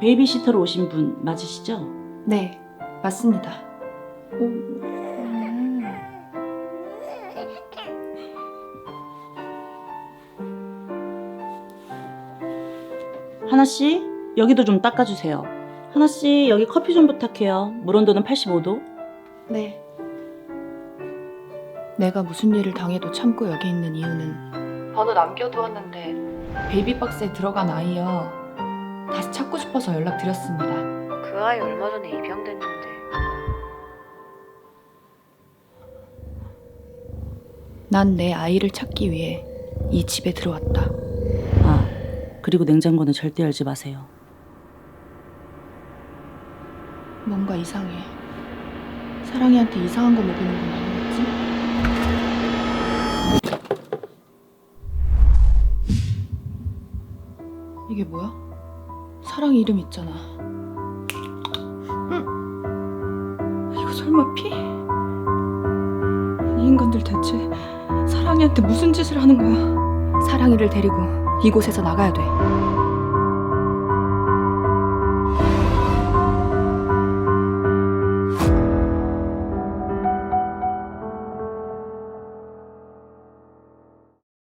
베이비시터로 오신 분 맞으시죠? 네, 맞습니다. 하나씨, 여기도 좀 닦아주세요. 하나씨, 여기 커피 좀 부탁해요. 물 온도는 85도. 네. 내가 무슨 일을 당해도 참고 여기 있는 이유는 번호 남겨두었는데 베이비박스에 들어간 아이여. 다시 찾고 싶어서 연락드렸습니다. 그 아이 얼마 전에 입양됐는데. 난 내 아이를 찾기 위해 이 집에 들어왔다. 아, 그리고 냉장고는 절대 열지 마세요. 뭔가 이상해. 사랑이한테 이상한 거 먹이는 건 아니겠지? 이게 뭐야? 사랑이 이름 있잖아. 이거 설마 피? 이 인간들 대체 사랑이한테 무슨 짓을 하는 거야? 사랑이를 데리고 이곳에서 나가야 돼.